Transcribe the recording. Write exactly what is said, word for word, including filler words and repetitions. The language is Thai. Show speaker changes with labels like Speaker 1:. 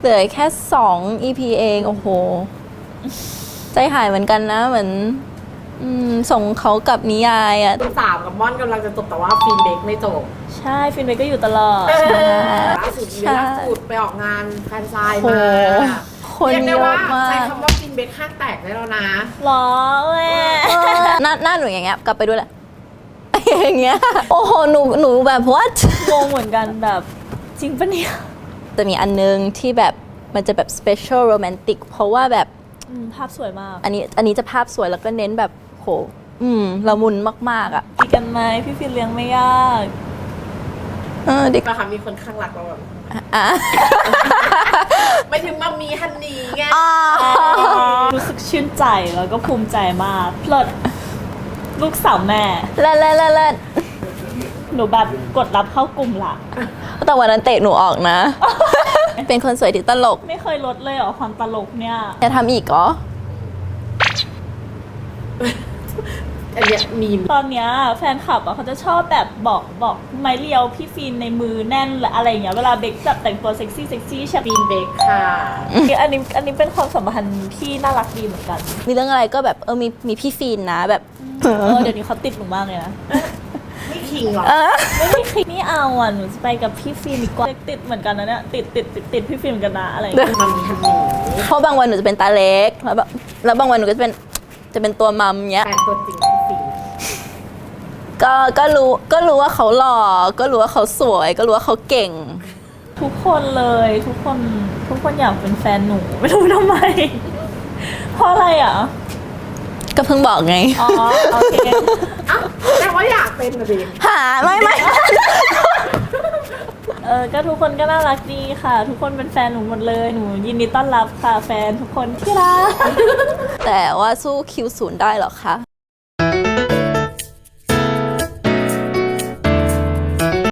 Speaker 1: เหลือแค่สอง อี พี เองโอ้โหใจหายเหมือนกันนะเหมือนอืมส่งเขากับนิยายอ่ะ
Speaker 2: คุณสามกับม่อนกำลังจะจบแต่ว่าฟินเด็กไม่จบ
Speaker 3: ใช่ฟินเบก็อยู่ตลอด
Speaker 2: ล่าสุดมีล่าสุดไปออกงานแฟนไซน์
Speaker 1: โอ้
Speaker 2: มา
Speaker 1: คน
Speaker 2: เรียก
Speaker 1: เย
Speaker 2: ได้
Speaker 1: อะ
Speaker 2: ว่าม
Speaker 1: า
Speaker 2: ใช้
Speaker 1: ก
Speaker 2: คำว่าฟินเบกห้างแตกได้แล้วนะ
Speaker 3: หรอแม่
Speaker 1: หน้าหน้าหนูอย่างเงี้ยกลับไปด้วยแหละอย่างเงี้ยโอ้โหหนูหนูแบบ what
Speaker 3: งงเหมือนกันแบบจริงปะเนี่ย
Speaker 1: จะมีอันนึงที่แบบมันจะแบบ special romantic เพราะว่าแบบ
Speaker 3: อืมภาพสวยมาก
Speaker 1: อันนี้อันนี้จะภาพสวยแล้วก็เน้นแบบโหอืมละมุนมากๆอ่ะ
Speaker 3: ดีกันไหมพี่ฟินเลี้ยงไม่ยาก
Speaker 1: เออเด็ก
Speaker 2: นะคะมีคนข้างหลักเราแบบ
Speaker 1: อ่ะ
Speaker 2: ไม่ถึงมามีฮันนี่ไง
Speaker 1: อ่า
Speaker 3: รู้สึกชื่นใจแล้วก็ภูมิใจมากเพลิดลูกสาวแม่
Speaker 1: เล่นเล่นเล่นเล่น
Speaker 3: หนูแบบกดรับเข้ากลุ่มละ
Speaker 1: แต่วันนั้นเตะหนูออกนะ เป็นคนสวยที่ตลก
Speaker 3: ไม่เคยลดเลยเหรอความตลกเนี่ย
Speaker 1: จะทำอีกเหรอ
Speaker 2: อันเนี้ยมีม
Speaker 3: ตอนเนี้ยแฟนคลับอ่ะเขาจะชอบแบบบอกบอกไม้เรียวพี่ฟินในมือแน่นหรืออะไรอย่างเงี้ยเวลาเบคแบบแต่งตัวเซ็กซี่เซ็กซี่ใช่ไหม
Speaker 2: ฟินเบกค่ะ
Speaker 3: อันนี้อันนี้เป็นความสัมพันธ์ที่น่ารักดีเหมือนกัน
Speaker 1: มีเรื่องอะไรก็แบบเออมีมีพี่ฟีนนะแบบ
Speaker 3: เออเดี๋ยวนี้เขาติดหนูมากเลยนะ
Speaker 2: ไม่คิงหรอ
Speaker 1: เออ
Speaker 3: ไม่มีใครไม่เอาอ่ะหนูจะไปกับพี่ฟินดีกว่าติดเหมือนกันนะเนี่ยติดติดติดติดพี่ฟินเหมือนกันนะอะไรอย่างเงี้ย
Speaker 2: มามีฮันนี่
Speaker 1: เพราะบางวันหนูจะเป็นตาเล็กแล้วแบบแล้วบางวันหนูก็จะเป็นจะเป็นตัวมัมเงี้ย
Speaker 2: แฟนตัวจริงพี่ฟิน
Speaker 1: ก็ก็รู้ก็รู้ว่าเขาหล่อก็รู้ว่าเขาสวย ก็รู้ว่าเขาเก่ง
Speaker 3: ทุกคนเลยทุกคนทุกคนอยากเป็นแฟนหนูไม่รู้ทำไม เพราะอะไรอ่ะ
Speaker 1: ก็เพิ่งบอกไง
Speaker 3: อ๋อโอเค
Speaker 2: อ้าวแต่ว่าอยากเป็นนะดิ
Speaker 1: หาไม่ไม่
Speaker 3: เออก็ทุกคนก็น่ารักดีค่ะ ทุกคนเป็นแฟนหนูหมดเลยหนูยินดีต้อนรับค่ะแฟนทุกคนที่รัก
Speaker 1: แต่ว่าสู้คิวศูนย์ได้เหรอคะ